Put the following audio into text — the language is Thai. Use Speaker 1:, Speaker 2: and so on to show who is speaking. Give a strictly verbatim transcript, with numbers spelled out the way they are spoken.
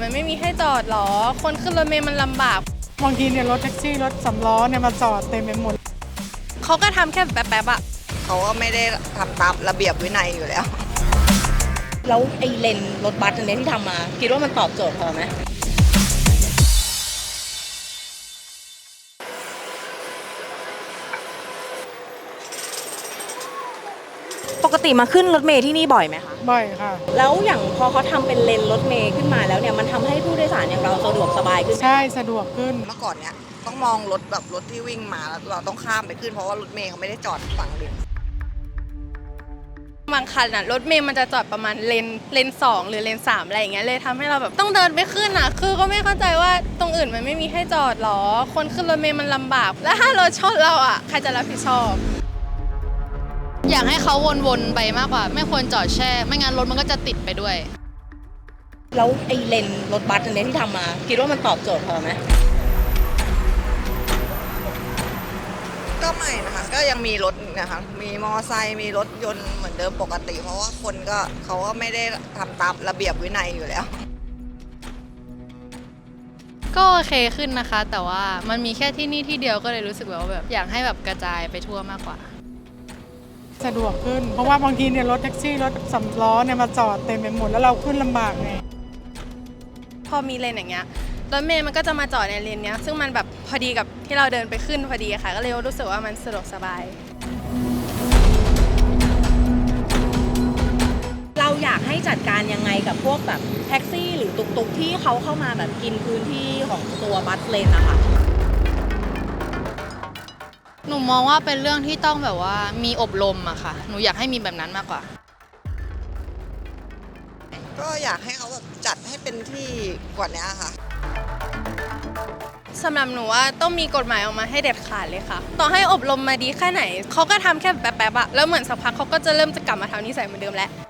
Speaker 1: มันไม่มีให้จอดหรอคนขึ้นรถเมล์มันลำบาก
Speaker 2: บางทีเนี่ยรถแท็กซี่รถสำล้อเนี่ยมาจอดเต็มไปหมด
Speaker 1: เขาก็ทำแค่แป๊บๆอะ
Speaker 3: เขาก็ไม่ได้ทำตามระเบียบวินัยอยู่แล้ว
Speaker 4: แล้วไอ้เลนรถบัสอันนี้ที่ทำมาคิดว่ามันตอบโจทย์พอไหมปกติมาขึ้นรถเมล์ที่นี่บ่อยไหมคะ
Speaker 2: บ่อยค่ะ
Speaker 4: แล้วอย่างพอเขาทำเป็นเลนรถเมล์ขึ้นมาแล้วเนี่ยมันทำให้ผู้โดยสารอย่างเราสะดวกสบายขึ้น
Speaker 2: ใช่สะดวกขึ้น
Speaker 3: เมื่อก่อนเนี่ยต้องมองรถแบบรถที่วิ่งมาแล้วเราต้องข้ามไปขึ้นเพราะว่ารถเมล์เขาไม่ได้จอดฝั่งเลน
Speaker 1: บางคันอะรถเมล์มันจะจอดประมาณเลนเลนสองหรือเลนสามอะไรอย่างเงี้ยเลยทำให้เราแบบต้องเดินไปขึ้นอะคือก็ไม่เข้าใจว่าตรงอื่นมันไม่มีให้จอดหรอคนขึ้นรถเมล์มันลำบากแล้วถ้ารถชนเราอะใครจะรับผิดชอบ
Speaker 5: อยากให้เขาวนๆไปมากกว่าไม่ควรจอดแช่ไม่งั้นรถมันก็จะติดไปด้วย
Speaker 4: แล้วไอ้เลนรถบัสอันนี้ที่ทำมาคิดว่ามันตอบโจทย์พอไหม
Speaker 3: ก็ไม่นะคะก็ยังมีรถนะคะมีมอไซค์มีรถยนต์เหมือนเดิมปกติเพราะว่าคนก็เขาก็ไม่ได้ทำตามระเบียบวินัยอยู่แล้ว
Speaker 5: ก็โอเคขึ้นนะคะแต่ว่ามันมีแค่ที่นี่ที่เดียวก็เลยรู้สึกว่าแบบอยากให้แบบกระจายไปทั่วมากกว่า
Speaker 2: สะดวกขึ้นเพราะว่าบางทีเนี่ยรถแท็กซี่รถสำล้อเนี่ยมาจอดเต็มไปหมดแล้วเราขึ้นลำบากไง
Speaker 1: พอมีเลนอย่างเงี้ยรถเมล์มันก็จะมาจอดในเลนเนี้ยซึ่งมันแบบพอดีกับที่เราเดินไปขึ้นพอดีค่ะก็เลยรู้สึกว่ามันสะดวกสบาย
Speaker 4: เราอยากให้จัดการยังไงกับพวกแบบแท็กซี่หรือตุกๆที่เขาเข้ามาแบบกินพื้นที่ของตัวบัสเลนนะคะ
Speaker 5: หนูมองว่าเป็นเรื่องที่ต้องแบบว่ามีอบรมอะค่ะหนูอยากให้มีแบบนั้นมากกว่า
Speaker 3: ก็อยากให้เขาแบบจัดให้เป็นที่กว่านี้ค่ะ
Speaker 1: สำหรับหนูว่าต้องมีกฎหมายออกมาให้เด็ดขาดเลยค่ะต่อให้อบรมมาดีแค่ไหนเขาก็ทำแค่แป๊บๆอะแล้วเหมือนสักพักเขาก็จะเริ่มจะกลับมาทำนิสัยเหมือนเดิมแล้ว